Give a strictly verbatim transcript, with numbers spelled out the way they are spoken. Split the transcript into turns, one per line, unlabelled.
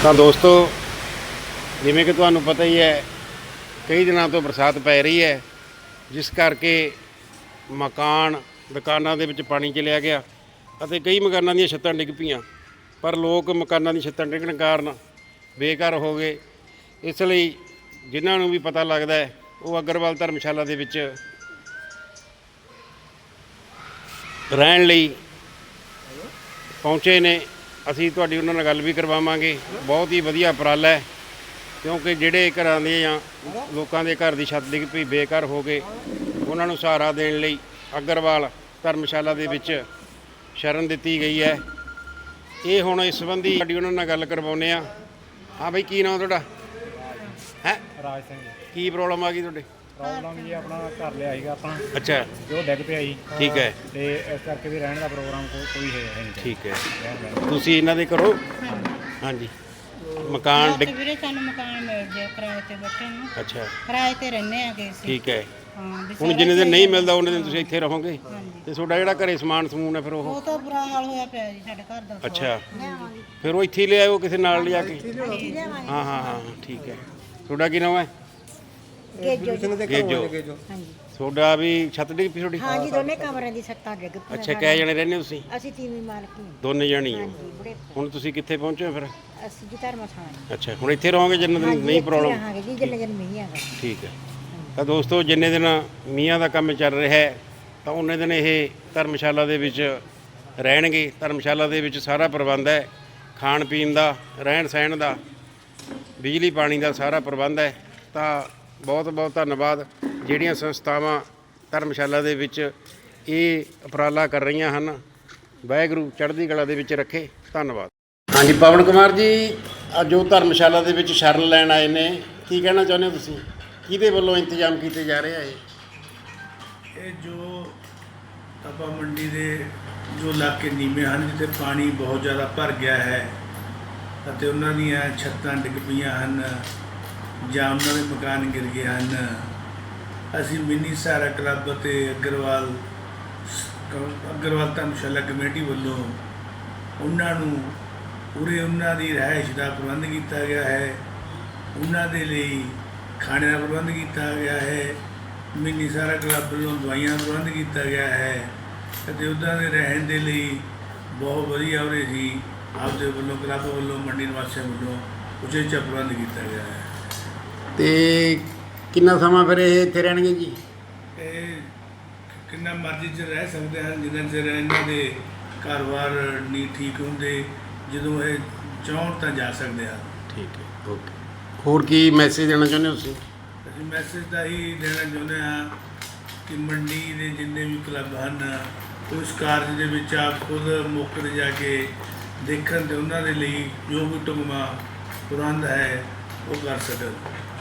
ਤਾਂ ਦੋਸਤੋ ਜਿਵੇਂ ਕਿ ਤੁਹਾਨੂੰ ਪਤਾ ਹੀ ਹੈ ਕਈ ਦਿਨਾਂ ਤੋਂ ਬਰਸਾਤ ਪੈ ਰਹੀ ਹੈ, ਜਿਸ ਕਰਕੇ ਮਕਾਨ ਦੁਕਾਨਾਂ ਦੇ ਵਿੱਚ ਪਾਣੀ ਚਲਿਆ ਗਿਆ ਅਤੇ ਕਈ ਮਕਾਨਾਂ ਦੀਆਂ ਛੱਤਾਂ ਡਿੱਗ ਪਈਆਂ। ਪਰ ਲੋਕ ਮਕਾਨਾਂ ਦੀ ਛੱਤਾਂ ਡਿੱਗਣ ਕਾਰਨ ਬੇਘਰ ਹੋ ਗਏ। ਇਸ ਲਈ ਜਿਨ੍ਹਾਂ ਨੂੰ ਵੀ ਪਤਾ ਲੱਗਦਾ ਹੈ ਉਹ ਅਗਰਵਾਲ ਧਰਮਸ਼ਾਲਾ ਦੇ ਵਿੱਚ ਰਹਿਣ ਲਈ ਪਹੁੰਚੇ ਨੇ। ਅਸੀਂ ਤੁਹਾਡੀ ਉਹਨਾਂ ਨਾਲ ਗੱਲ ਵੀ ਕਰਵਾਵਾਂਗੇ। ਬਹੁਤ ਹੀ ਵਧੀਆ ਉਪਰਾਲਾ ਹੈ, ਕਿਉਂਕਿ ਜਿਹੜੇ ਘਰਾਂ ਦੇ ਜਾਂ ਲੋਕਾਂ ਦੇ ਘਰ ਦੀ ਛੱਤ ਡਿੱਗ ਪਈ ਬੇਘਰ ਹੋ ਗਏ, ਉਹਨਾਂ ਨੂੰ ਸਹਾਰਾ ਦੇਣ ਲਈ ਅਗਰਵਾਲ ਧਰਮਸ਼ਾਲਾ ਦੇ ਵਿੱਚ ਸ਼ਰਨ ਦਿੱਤੀ ਗਈ ਹੈ। ਇਹ ਹੁਣ ਇਸ ਸੰਬੰਧੀ ਸਾਡੀ ਉਹਨਾਂ ਨਾਲ ਗੱਲ ਕਰਵਾਉਂਦੇ ਹਾਂ। ਹਾਂ ਬਈ, ਕੀ ਨਾਮ ਤੁਹਾਡਾ? ਹੈ
ਰਾਜ ਸਿੰਘ।
ਕੀ ਪ੍ਰੋਬਲਮ ਆ ਗਈ ਤੁਹਾਡੇ?
ਪ੍ਰੋਬਲਮ ਜੀ ਆਪਣਾ ਘਰ ਲਿਆ ਸੀਗਾ ਆਪਣਾ,
ਅੱਛਾ,
ਜੋ ਡਿੱਗ ਪਿਆ ਜੀ।
ਠੀਕ ਹੈ।
ਤੇ ਇਸ ਕਰਕੇ ਵੀ ਰਹਿਣ ਦਾ ਪ੍ਰੋਗਰਾਮ ਕੋ- ਕੋਈ ਹੈ ਹੈ ਨਹੀਂ।
ਠੀਕ ਹੈ, ਤੁਸੀਂ ਇਹਨਾਂ ਦੇ ਕਰੋ। ਹਾਂਜੀ, ਮਕਾਨ ਡਿੱਗ
ਵੀਰੇ ਸਾਨੂੰ ਮਕਾਨ ਮਿਲ ਗਿਆ ਕਿਰਾਏ ਤੇ ਬੈਠੇ ਨੂੰ।
ਅੱਛਾ,
ਕਿਰਾਏ ਤੇ ਰਹਿੰਦੇ ਆਗੇ ਅਸੀਂ।
ਠੀਕ ਹੈ।
ਹਾਂ ਵੀ
ਹੁਣ
ਸਾਰਾ
ਜਿੰਨੇ ਦਿਨ
ਘਰ-
ਨਹੀਂ ਮਿਲਦਾ ਉਹਨੇ ਦਿਨ ਤੁਸੀਂ ਇੱਥੇ ਰਹੋਗੇ।
ਹਾਂਜੀ।
ਤੇ ਤੁਹਾਡਾ ਜਿਹੜਾ ਘਰੇ ਸਮਾਨ ਸਮੂਨ ਹੈ ਫਿਰ ਉਹ
ਉਹ ਤਾਂ ਬੁਰਾ ਹਾਲ ਹੋਇਆ ਪਿਆ ਜੀ ਸਾਡੇ ਘਰ ਦਾ।
ਅੱਛਾ, ਫਿਰ ਉਹ ਇੱਥੇ ਹੀ ਲਿਆਇਓ ਕਿਸੇ ਨਾਲ ਲਿਆ ਕੇ। ਹਾਂ ਹਾਂ ਹਾਂ ਠੀਕ ਹੈ। ਤੁਹਾਡਾ ਕੀ ਨਾਮ ਹੈ?
ਗੇਜੋ ਜੀ।
ਗੇਜੋ।
ਹਾਂਜੀ
ਤੁਹਾਡਾ ਵੀ ਛੱਤ ਡਿੱਗ ਪਈ ਤੁਹਾਡੀ?
ਹਾਂਜੀ, ਦੋਨੇ ਕਮਰਿਆਂ ਦੀ ਛੱਤਾਂ ਡਿੱਗ ਪਈਆਂ।
ਅੱਛਾ, ਕਿੰਨੇ ਜਣੇ ਰਹਿੰਦੇ ਹੋ ਤੁਸੀਂ?
ਅਸੀਂ ਤੀਵੀਂ ਮਾਲਕੀ ਹਾਂ।
ਦੋਨੇ ਜਾਣੀ ਹੋ।
ਹਾਂਜੀ ਬੁੜੇ।
ਹੁਣ ਤੁਸੀਂ ਕਿੱਥੇ ਪਹੁੰਚੇ ਹੋ ਫਿਰ?
ਅਸੀਂ ਜੀ ਧਰਮਸ਼ਾਲਾ।
ਅੱਛਾ, ਹੁਣ ਇੱਥੇ ਰਹੋਗੇ ਜਿੰਨੇ ਦਿਨ ਨਹੀਂ ਪ੍ਰੋਬਲਮ?
ਹਾਂ ਜੀ, ਜਿੰਨੇ ਦਿਨ ਮੀਂਹ ਆਗਾ।
ਠੀਕ ਹੈ। ਤਾਂ ਦੋਸਤੋ, ਜਿੰਨੇ ਦਿਨ ਮੀਆਂ ਦਾ ਕੰਮ ਚੱਲ ਰਿਹਾ ਹੈ ਤਾਂ ਉਹਨੇ ਦਿਨ ਇਹ ਧਰਮਸ਼ਾਲਾ ਦੇ ਵਿੱਚ ਰਹਿਣਗੇ। ਧਰਮਸ਼ਾਲਾ ਦੇ ਵਿੱਚ ਸਾਰਾ ਪ੍ਰਬੰਧ ਹੈ, ਖਾਣ ਪੀਣ ਦਾ, ਰਹਿਣ ਸਹਿਣ ਦਾ, ਬਿਜਲੀ ਪਾਣੀ ਦਾ ਸਾਰਾ ਪ੍ਰਬੰਧ ਹੈ। ਤਾਂ ਬਹੁਤ ਬਹੁਤ ਧੰਨਵਾਦ ਜਿਹੜੀਆਂ ਸੰਸਥਾਵਾਂ ਧਰਮਸ਼ਾਲਾ ਦੇ ਵਿੱਚ ਇਹ ਉਪਰਾਲਾ ਕਰ ਰਹੀਆਂ ਹਨ। ਵਾਹਿਗੁਰੂ ਚੜ੍ਹਦੀ ਕਲਾ ਦੇ ਵਿੱਚ ਰੱਖੇ। ਧੰਨਵਾਦ। ਹਾਂਜੀ, ਪਵਨ ਕੁਮਾਰ ਜੀ, ਅੱਜ ਜੋ ਧਰਮਸ਼ਾਲਾ ਦੇ ਵਿੱਚ ਸ਼ਰਨ ਲੈਣ ਆਏ ਨੇ, ਕੀ ਕਹਿਣਾ ਚਾਹੁੰਦੇ ਹੋ ਤੁਸੀਂ? ਕਿਹਦੇ ਵੱਲੋਂ ਇੰਤਜ਼ਾਮ ਕੀਤੇ ਜਾ ਰਹੇ ਆ ਇਹ?
ਇਹ ਜੋ ਤਪਾ ਮੰਡੀ ਦੇ ਜੋ ਇਲਾਕੇ ਨੀਵੇਂ ਹਨ, ਜਿੱਥੇ ਪਾਣੀ ਬਹੁਤ ਜ਼ਿਆਦਾ ਭਰ ਗਿਆ ਹੈ ਅਤੇ ਉਹਨਾਂ ਦੀਆਂ ਛੱਤਾਂ ਡਿੱਗ ਪਈਆਂ ਹਨ ਜਾਂ ਉਹਨਾਂ ਦੇ ਮਕਾਨ ਗਿਰ ਗਏ ਹਨ, ਅਸੀਂ ਮਿੰਨੀ ਸਹਾਰਾ ਕਲੱਬ ਅਤੇ ਅਗਰਵਾਲ ਅਗਰਵਾਲ ਧਰਮਸ਼ਾਲਾ ਕਮੇਟੀ ਵੱਲੋਂ ਉਹਨਾਂ ਨੂੰ ਪੂਰੇ ਉਹਨਾਂ ਦੀ ਰਿਹਾਇਸ਼ ਦਾ ਪ੍ਰਬੰਧ ਕੀਤਾ ਗਿਆ ਹੈ। ਉਹਨਾਂ ਦੇ ਲਈ ਖਾਣੇ ਦਾ ਪ੍ਰਬੰਧ ਕੀਤਾ ਗਿਆ ਹੈ। ਮਿੰਨੀ ਸਹਾਰਾ ਕਲੱਬ ਵੱਲੋਂ ਦਵਾਈਆਂ ਦਾ ਪ੍ਰਬੰਧ ਕੀਤਾ ਗਿਆ ਹੈ ਅਤੇ ਉਹਨਾਂ ਦੇ ਰਹਿਣ ਦੇ ਲਈ ਬਹੁਤ ਵਧੀਆ ਉਰੇ ਜੀ ਆਪਦੇ ਵੱਲੋਂ ਕਲੱਬ ਵੱਲੋਂ ਮੰਡੀ ਨਿਵਾਸੀਆਂ ਵੱਲੋਂ ਉਚੇਚਾ ਪ੍ਰਬੰਧ ਕੀਤਾ ਗਿਆ ਹੈ।
ਤੇ ਕਿੰਨਾ ਸਮਾਂ ਫਿਰ ਇਹ ਇੱਥੇ ਰਹਿਣਗੇ ਜੀ?
ਇਹ ਕਿੰਨਾ ਮਰਜ਼ੀ ਚ ਰਹਿ ਸਕਦੇ ਹਨ, ਜਿੰਨਾ ਚਿਰ ਇਹਨਾਂ ਦੇ ਘਰ-ਬਾਰ ਨਹੀਂ ਠੀਕ ਹੁੰਦੇ। ਜਦੋਂ ਇਹ ਚਾਹੁਣ ਤਾਂ ਜਾ ਸਕਦੇ ਹਨ।
ਠੀਕ ਹੈ, ਓਕੇ। ਹੋਰ ਕੀ ਮੈਸੇਜ ਦੇਣਾ ਚਾਹੁੰਦੇ ਹੋ ਤੁਸੀਂ?
ਅਸੀਂ ਮੈਸੇਜ ਤਾਂ ਹੀ ਦੇਣਾ ਚਾਹੁੰਦੇ ਹਾਂ ਕਿ ਮੰਡੀ ਦੇ ਜਿੰਨੇ ਵੀ ਕਲੱਬ ਹਨ, ਉਸ ਕਾਰਜ ਦੇ ਵਿੱਚ ਆਪ ਖੁਦ ਮੌਕੇ 'ਤੇ ਜਾ ਕੇ ਦੇਖਣ ਅਤੇ ਉਹਨਾਂ ਦੇ ਲਈ ਜੋ ਵੀ ਢੁਕਵਾਂ ਪ੍ਰਬੰਧ ਹੈ ਉਹ ਕਰ ਸਕਣ।